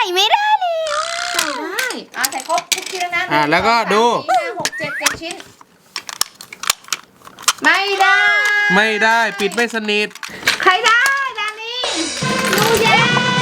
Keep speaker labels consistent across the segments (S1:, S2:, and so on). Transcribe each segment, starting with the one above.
S1: ไม่ได้เลย
S2: ใส่ได้ใส่ครบทุกชิ้นแล้วนะ
S3: แล้วก็ดู
S2: 5 6 7 ชิ้นไม่ได้
S3: ไม่ได้ปิดไม่สนิท
S2: ใครได้ดานี่หนูแย้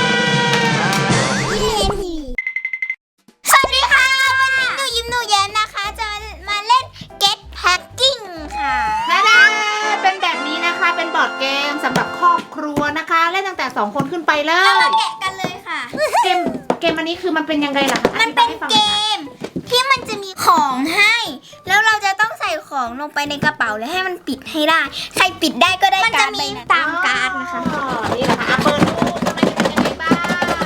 S1: สวัสดีค่ะวันนี้หนูแย้มนะคะจะมาเล่น Get Packing ค่ะ
S2: เป็นแบบนี้นะคะเป็นบอร์ดเกมสำหรับครอบครัวนะคะเล่นตั้งแต่2 คนขึ้นไปเล
S1: เรามาย แกะกันเลยค่ะ
S2: เกมอันนี้คือมันเป็นยังไงล่ะคะ
S1: มันเป็นเกมที่มันจะมีของให้ แล้วเราจะต้องใส่ของลงไปในกระเป๋าแล้วให้มันปิดให้ได้ ใครปิดได้ก็ได้การ์ดไปตามการ์ดนะคะ
S2: นี่แหละค่ะเปิดดูข้างในจะเป็นยังไงบ้าง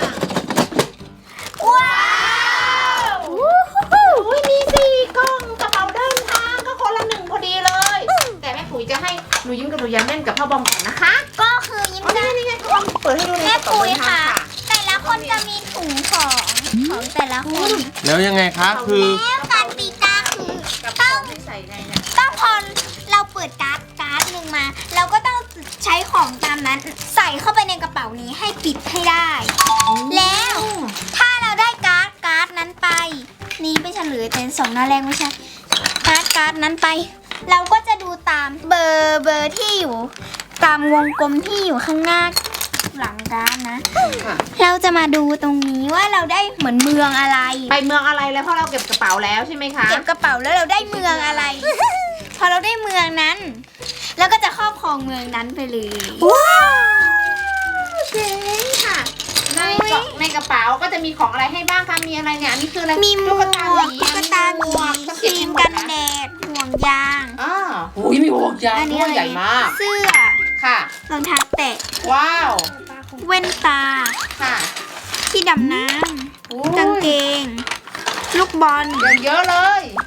S1: ว้าว
S2: อุ้ยมี4 กล่องกระเป๋าเดินทางก็คนละ1พอดีเลย แต่แม่ปุ๋ยจะให้หนูยิ้มกับหนูยันเล่นกับพ่อบอมก่อนนะคะ
S1: ก็คือยิ้มจะ
S2: นี่ไงพ่อบอมเปิดให้ดูเลย
S1: แม่
S2: กระเป๋า
S1: ปุ๋ย
S2: เดินทาง
S1: ค่ะ
S2: ค่ะ
S1: แต่ละคนจะมีถุงของแต่ละคน
S3: แล้วยังไงคะคือ
S1: แล้วการตีกาคือ
S2: กระเป๋าที่ใส่ในเนี่ย
S1: ต้องพอเราเปิดการ์ดหนึ่งมา เราก็ต้องใช้ของตามนั้น ใส่เข้าไปในกระเป๋านี้ให้ปิดให้ได้ แล้วถ้าเราได้การ์ดนั้นไป นี่ไม่เฉลยเป็น2 หน้าแรกไม่ใช่การ์ดนั้นไป เราก็จะดูตามเบอร์ที่อยู่ ตามวงกลมที่อยู่ข้างหน้าหลังการ์ดนะ
S2: ค่ะ
S1: เราจะมาดูตรงนี้ว่าเราได้เหมือนเมืองอะไร
S2: ไปเมืองอะไรแล้วเพราะเราเก็บกระเป๋าแล้วใช่ไหมคะ
S1: เก็บกระเป๋าแล้วเราได้เมืองอะไร พอเราได้เมืองนั้นเราก็จะครอบครองเมืองนั้นไปเลย
S2: ว้าวเจ๋งค่ะในกระเป๋าก็จะมีของอะไรให้บ้างคะมีอะไรเนี่ยอันนี้คืออะไร
S1: มีหมวก
S2: ตุ๊กตาหมี
S1: ครีมกันแดดห่วงยาง
S2: โอ้ยมีห่วงยางด้วยใหญ่มาก
S1: เสื้อ
S2: ค่ะ
S1: รองเท้าแตะ
S2: ว้าว
S1: แว่นตา
S2: ค่ะ
S1: ที่ดำน้ำกางเกง ลูกบอล
S2: อย่างเยอะเลย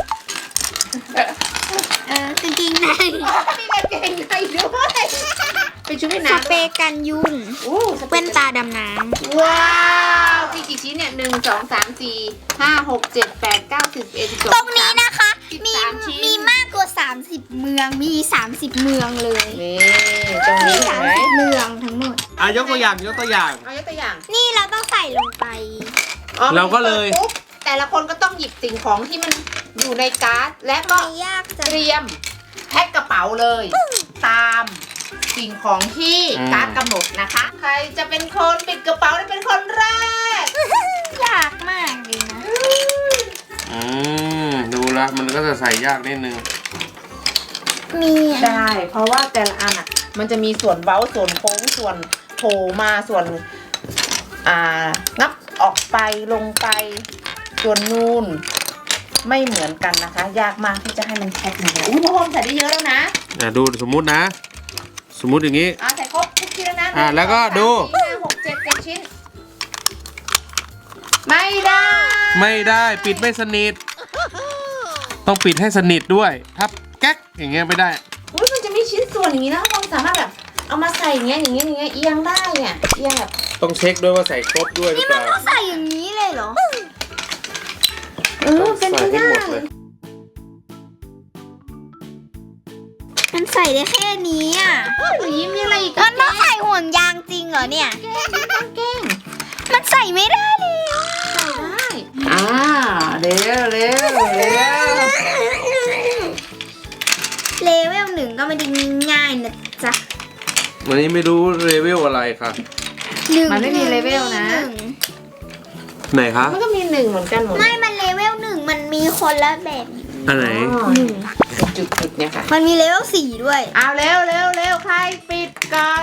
S1: กางเกงใน
S2: มีกางเกงในด้วยเป็นชุดว่าย
S1: ส
S2: น้ำ
S1: เปรย์กันยุง แว่นตาดำน้ำ
S2: ว้าวกี่ชิ้นเนี่ย1 2 3 4 5 6 7 8 9 10 11 12
S1: ตรงนี้นะคะ
S2: 13ชิ้น
S1: มีมากกว่า30 เมืองมี30 เมืองเลย
S2: นี่ตรงนี้เห็นไหม
S1: 30 เมืองทั้งหมด
S3: ยกตัวอย่างยกตัวอย่าง
S2: เอายกตัวอย่าง
S1: นี่เราต้องใส่ลงไป
S3: เราก็เลย
S2: ปุ๊บแต่ละคนก็ต้องหยิบสิ่งของที่มันอยู่ในการ์ดและก็
S1: ไม่ยากจัง
S2: เตรียมแพ็คกระเป๋าเลย ตามสิ่งของที่การ์ดกำหนดนะคะ ใครจะเป็นคนปิดกระเป๋าได้เป็นคนแรก
S1: ยากมากเลยนะ
S3: ดูละมันก็จะใส่ยากนิดนึง
S1: มี
S2: ได้ เพราะว่าแต่ละอันอ่ะ มันจะมีส่วนเว้าส่วนโค้งส่วนโผล่มาส่วนงับออกไปลงไปส่วนนูนไม่เหมือนกันนะคะ ยากมากที่จะให้มันแพ็คมาอุ้ยพ่อพรมใส่ได้เยอะแล้วนะ
S3: ดูสมมุตินะ สมมุติอย่างนี้
S2: ใส่ครบทุกชิ้นแล้วนะ
S3: แล้วก็ดู
S2: 5 6 7 ชิ้น ไม่ได้
S3: ไม่ได้ปิดไม่สนิท ต้องปิดให้สนิทด้วยถ้าแก๊กอย่างเงี้ยไม่ได้
S2: อุ้ยมันจะมีชิ้นส่วนอย่างนี้นะเราสามารถแบบเอามาใส่อย่างเงี้ยเอียงได้เนี่ยเอียงแบบ
S3: ต้องเช็คด้วยว่าใส่ครบด้วยหรือเปล่า
S1: ต้องใส่อย่างนี้เลยเหรอ
S2: เป็นไป
S3: ใส่ให้
S2: ได้
S3: หมดเลย
S1: มันใส่ได้แค่นี้อ่ะ
S2: หนูยิ้มมีอะไรอีก
S1: มันต้องใส่ห่วงยางจริงเหรอเนี่ย
S2: แกล้ง
S1: มันใส่ไม่ได้เลย
S2: ได้เร็ว
S1: เลเวล 1ก็ไม่ได้ง่ายๆนะจ๊ะ
S3: วันนี้ไม่รู้เลเวลอะไรค่ะ
S2: มันไม่มีเลเวลนะ
S3: ไหนคะ
S2: มันก็มี1เหมือนกันหมด
S1: ไม่มันเลเวล 1มันมีคนละแบบ
S3: อันไหน
S2: จุดเนี่ยค่ะ
S1: มันมีเลเวล 4ด้วย
S2: เอาเร็วใครปิดก่อน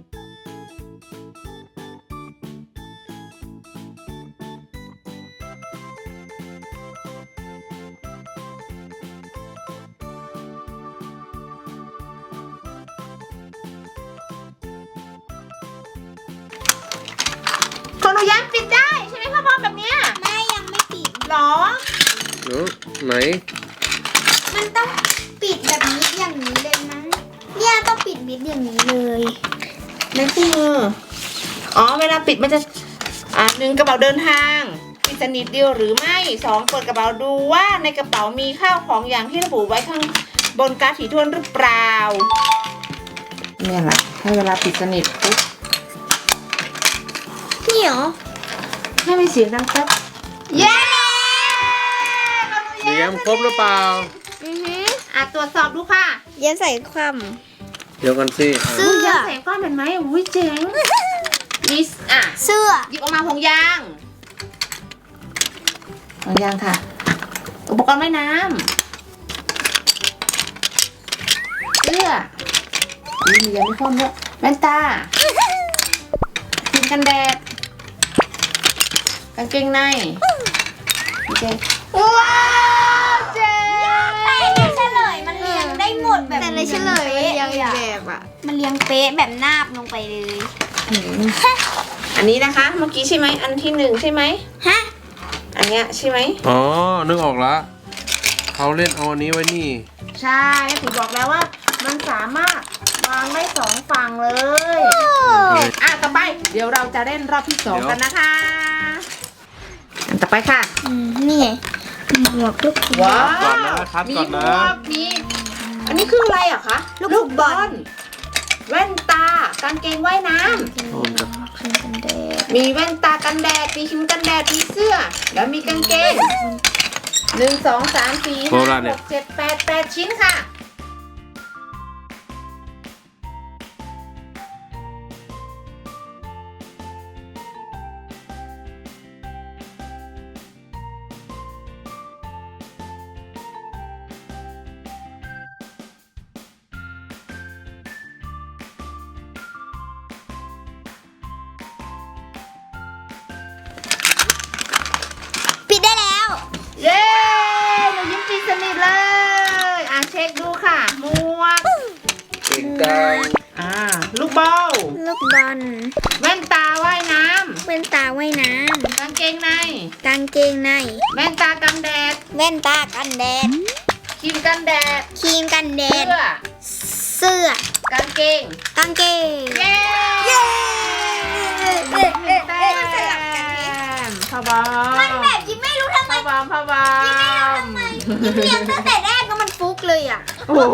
S2: คนหนูย้ำปิดได้ใช่ไหมพ่อบอมแบบเนี้ย
S1: แม่ยังไม่ปิด
S2: หรอ
S3: ไหน
S1: มันต้องปิดแบบนี้อย่างนี้เลยมั้งเนี่ยต้องปิดมิดอย่างนี้เลย
S2: ในคู่มือเวลาปิดมันจะ1กระเป๋าเดินทางปิดสนิทเดียวหรือไม่2เปิดกระเป๋าดูว่าในกระเป๋ามีข้าวของอย่างที่ระบุไว้ข้างบนการ์ดถี่ถ้วนหรือเปล่าเนี่ยแหละให้เวลาปิดสนิทปุ๊บ
S1: นี่เหรอ
S2: ให้มีเสียงดังแป๊บเย้
S3: เสียงครบหรือเปล่า
S2: ตรวจสอบดูค่ะ
S1: เย็นใส่ความ
S3: เดี๋ยวกันสิ
S1: เสื้อ
S2: ยางแสงฟ้าเห็นไหมอุ้ยเจ๋งมี
S1: เสื้อ
S2: หยิบออกมาห่วงยางห่วงยางค่ะ อุปกรณ์ว่ายน้ำเสื้อมียางไม่คว่ำด้วยแว่นตาครีมกันแดดกางเกงในโอเคว้าวเจ๋ง
S1: แต่ในเฉลยมันเรียงได้หมดแบบ
S4: แต่ในเฉลยมันยังอีกแบบอ่ะ
S1: มันเรียงเป๊ะแบบนาบลงไปเลย
S2: อันนี้นะคะ เมื่อกี้ใช่ไหมอันที่หนึ่งใช่ไหม
S1: ฮะ
S2: อันเนี้ยใช่ไหม
S3: อ๋อนึกออกละเขาเล่นเอาอันนี้ไว้นี่
S2: ใช่แม่ปุ๋ยบอกแล้วว่า มันสามารถวางได้สองฝั่งเลยต่อไป เดี๋ยวเราจะเล่นรอบที่สองกันนะคะอันต่อไปค่ะ
S1: นี่ไงหมวกทุกคน
S2: ว้าว
S3: ก่อนนะครับ
S2: มี
S3: ก่อน
S2: หม
S3: นะ
S2: วกมีอันนี้คืออะไรอะคะ ลูกบอลแว่นตากางเกงว่ายน้ำมีแว่นตากันแดดมีครีมกันแดดมีเสื้อ แล้วมีกางเกง1 2 3 4
S3: โบราณเนี่ย
S2: 5 6 7 8 ชิ้นค่ะ
S1: ปิดได้แล้ว
S2: เย้หนูยิ้มปิดสนิทเลยเช็คดูค่ะหมวก
S3: เก่งจัง
S2: ลูกบอล
S1: ลูกบอล
S2: แว่นตาว่ายน้
S1: แว่นตาว่ายน้
S2: ำกางเกงใน
S1: ำกางเกงใน
S2: แว่นตากันแดด
S1: แว่นตากันแดด
S2: ครีมกันแดด
S1: ครีมกันแด
S2: เสื้
S1: ด
S2: อ
S1: เสื้อก
S2: างเกง
S1: กางเกง
S2: เย้
S1: เย้
S2: แต้มพ่อบอม
S1: มันแบบยิ้มไม่รู้ทำไม
S2: พ่อบอม
S1: ยิ้มเรียงตั้งแต่แรกก็มันฟุกเลยอ่ะ
S2: โอ้โห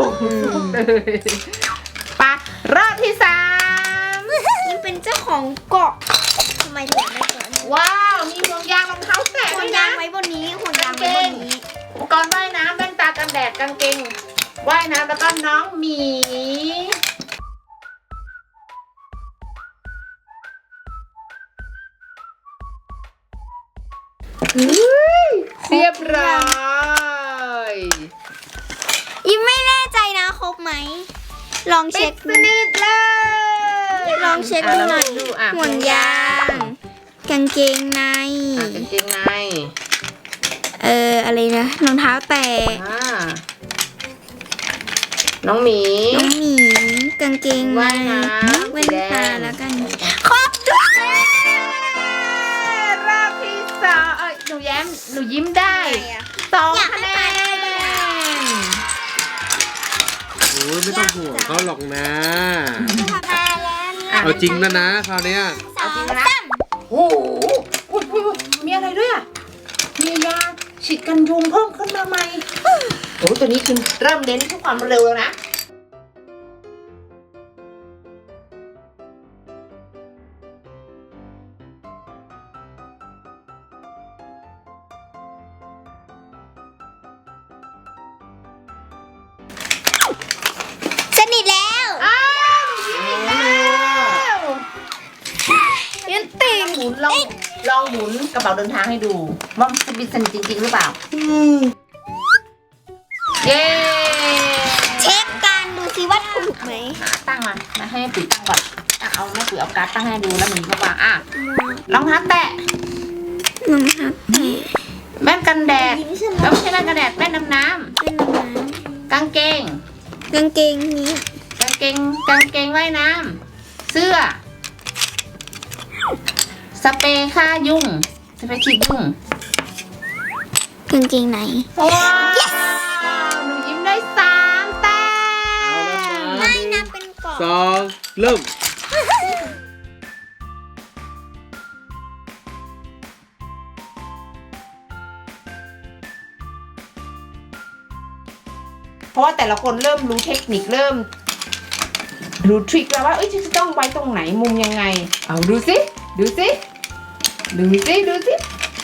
S2: ไปรอบที่สาม
S1: ยิ้มเป็นเจ้าของเกาะทำไมถึงได้เกาะ
S2: ว้าวมีห่วงยางรองเท้าแตะ
S1: ห่ว
S2: ด้
S1: ง
S2: วย
S1: ยา
S2: นะ
S1: งไว้บนนี้ห่วงยางไว้บนนี้
S2: อุปกรณ์ว่ายน้ำแว่นตากันแดดกางเกงว่ายน้ำแล้วก็น้องหมีเรียบร้อย
S1: ยิ้มไม่แน่ใจนะครบไหม ลองเช็ค
S2: สนิทเลย
S1: ลองเช็คดูหน่อย
S2: ดู
S1: ห่วงยาง กางเกงใน
S2: กางเกงใน
S1: อะไรนะรองเท้าแตะ
S2: น้องหมี
S1: น้องหมีกางเกงใน
S2: ว่ายน้ำ
S1: แว่น
S2: สีแด
S1: ตาง แล้วกันครบทุก
S2: รอบที่สองหนูยิ้มได้2 คะแนน
S3: โอ้ยไม่ต้องห่วงเขาหรอกนะ
S1: มาแล้วเนี่ย
S3: เอาจริงแล้วนะคราวเนี้ย
S2: เอาจริงนะ โอ้โหอุ๊ยมีอะไรด้วยอ่ะ มียาฉีดกันยุงเพิ่มขึ้นมาใหม่โอ้โหตัวนี้คือเริ่มเน้นที่ความเร็วแล้วนะ
S1: สนิทแล้ว
S2: อ้าวยิ้มอีกแล้ว
S1: ยันติ่ง
S2: หมุนลองหมุนกระเป๋าเดินทางให้ดูว่ามันจะบิดสนิทจริงๆหรือเปล่า เย้
S1: เช็คกันดูซิว่าถูกไหม
S2: ตั้งมาให้แม่ปุ๋ยตั้งก่อนเอาแม่ปุ๋ยเอาการ์ดตั้งให้ดูแล้วหมุนมาวางรองเท้าแตะ
S1: รองเท้าแตะ
S2: แว่นกันแดด
S1: ยิ้มฉล
S2: แล้ว
S1: าด
S2: ไม่ใช่แว่นกันแดดแว่นดำน้
S1: เป็นน้ำ
S2: ำกางเกง
S1: กางเกงนี้
S2: กางเกงว่ายน้ำเสื้อ สเปรย์ฆ่ายุงสเปรย์ฉีดยุง
S1: กางเกงไหน
S2: ว้าวหนูยิ้มได้3 แต้
S3: เอาแล้ว
S2: ม
S3: นะ
S1: ไม่นับเป็นกล่อง
S3: 2 เริ่ม
S2: เพราะว่าแต่ละคนเริ่มรู้เทคนิคเริ่มรู้ทริคแล้วว่าจะต้องไว้ตรงไหนมุมยังไงเอาดูสิดูสิดูสิ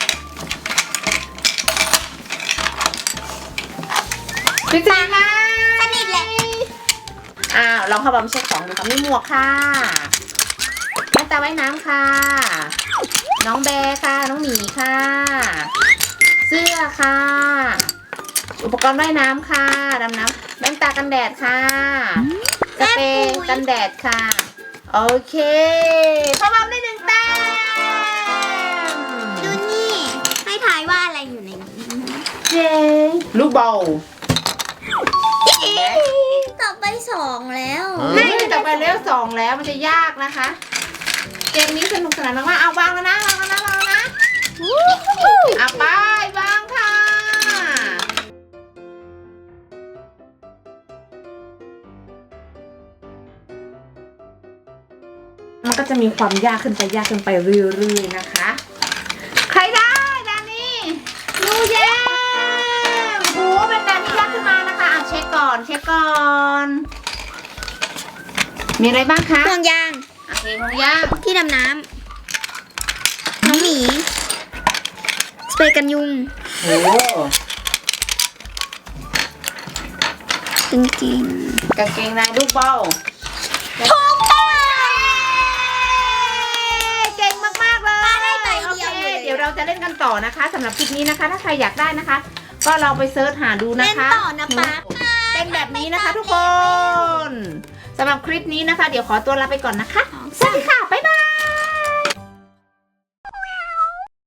S2: พี่จ๋าค่ะ
S1: สนิทแหละ
S2: อ้าวลองเข้าบอมเช็คของดูค่ะมีหมวกค่ะแว่นตาว่ายน้ำค่ะ น้องแบร์ค่ะ น้องหมีค่ะ เสื้อค่ะ อุปกรณ์ว่ายน้ำค่ะดำน้ำแว่นตากันแดดค่ะสเปรย์กันแดดค่ะ โอเคเข้าบอมได้1 แต้ม
S1: ดูนี่ ให้ทายว่าอะไรอยู่ในนี้
S2: เย้ลูกบอล
S1: ต่อไป2แล้ว
S2: ไม่ต่อไปเลเวล2แล้วมันจะยากนะคะ เกมนี้สนุกสนานมากๆเอาวางแล้วนะวางแล้วนะวางแล้วนะอ่ะไปวางค่ะ มันก็จะมีความยากขึ้นไปเรื่อยๆนะคะ ใครได้ดานี่นูเย้โอ้โหเป็นดานี่ยากขึ้นมานะคะอ่ะเช็คก่อนมีอะไรบ้างคะ
S1: ห่วงยาง
S2: โอเคของย่าง
S1: ที่ดำน้ำน้องหมี สเปรย์กันยุง
S2: โอ้
S1: จริง
S2: กางเกงในลูกบอล
S1: ๆถูกต้อง
S2: เก่งมากๆเลย
S1: มาได้ใบเดียว
S2: โอเค
S1: เลย
S2: เดี๋ยวเราจะเล่นกันต่อนะคะสำหรับคลิปนี้นะคะ ถ้าใครอยากได้นะคะ ก็ลองไปเซิร์ชหาดูนะ
S1: เล่น
S2: คะ
S1: ต่อนะป๊า
S2: เป็นแบบนี้นะคะทุกคนสำหรับคลิปนี้นะคะ เดี๋ยวขอตัวลาไปก่อนนะคะ สวัสดีค่ะ บ๊ายบาย